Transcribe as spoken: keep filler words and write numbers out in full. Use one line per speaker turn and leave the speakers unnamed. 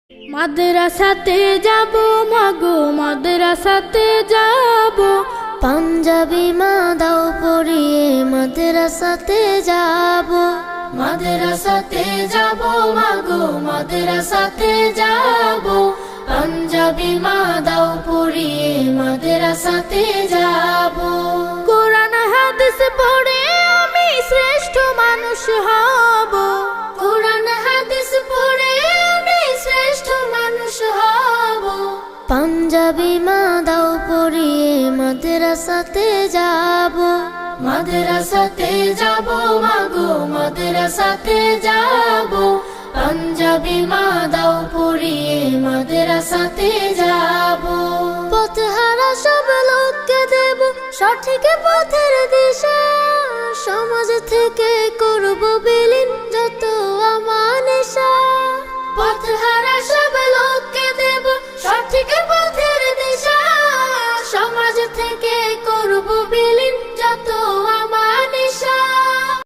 মাদ্রাসাতে যাব মাগো মাদ্রাসাতে যাব,
পাঞ্জাবি মা দাও পরিয়ে মাদ্রাসাতে যাব।
মাদ্রাসাতে যাব মাগো মাদ্রাসাতে যাব, পাঞ্জাবি মা দাও পরিয়ে মাদ্রাসাতে যাব। কোরআন হাদিস পড়ে আমি শ্রেষ্ঠ মানুষ হব, কোরআন হাদিস পড়ে আমি শ্রেষ্ঠ মানুষ হব।
পাঞ্জাবি মা দাও পরিয়ে মাদ্রাসাতে যাব।
মাদ্রাসাতে যাব মাগো মাদ্রাসাতে যাব, পাঞ্জাবি মা দাও পরিয়ে মাদ্রাসাতে যাব।
পথহারা সব লোককে দেব সঠিক পথের দিশা, সমাজ থেকে করব বিলীন যত আমানেশা।
পথহারা